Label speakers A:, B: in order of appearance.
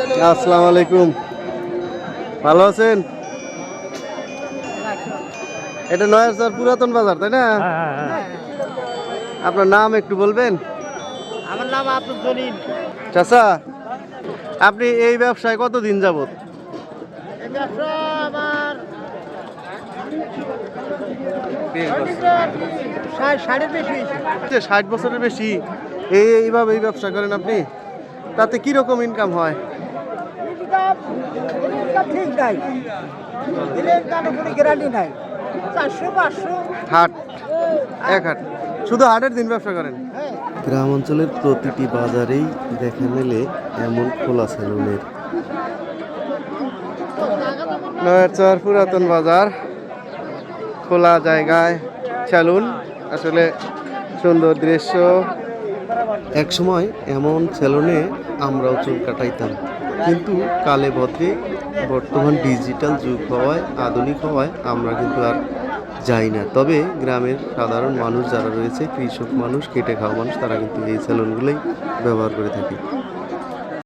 A: আসসালামু আলাইকুম, ভালো আছেন? এটা নয়ারচর পুরাতন বাজার, তাই না? আপনার নাম একটু বলবেন?
B: আমার নাম আব্দুল জলিল।
A: চাচা, আপনি এই ব্যবসায় কতদিন যাবত?
B: এই ব্যবসা আমার ষাটের বেশি হয়েছে।
A: 60 বছরের বেশি এইভাবে এই ব্যবসা করেন আপনি? তাতে কি রকম ইনকাম হয়?
B: ঠিক নাই, দিলের কোনো গ্যারান্টি নাই। 400-500
A: হাট, এক হাট, শুধু হাটের দিন ব্যবসা করেন? গ্রাম অঞ্চলের প্রতিটি বাজারেই দেখা মেলে এমন খোলা সেলুনের। নয়ারচর পুরাতন বাজার, খোলা জায়গায় সেলুন, আসলে সুন্দর দৃশ্য। এক সময় এমন সেলুনে আমরাও চুল কাটাইতাম, কিন্তু কালে বদলে বর্তমান ডিজিটাল যুগ হওয়ায়, আধুনিক হওয়ায় আমরা কিন্তু আর যাই না। তবে গ্রামের সাধারণ মানুষ যারা রয়েছে, কৃষক মানুষ, খেটে খাওয়া মানুষ, তারা কিন্তু এই সেলুনগুলোই ব্যবহার করে থাকে।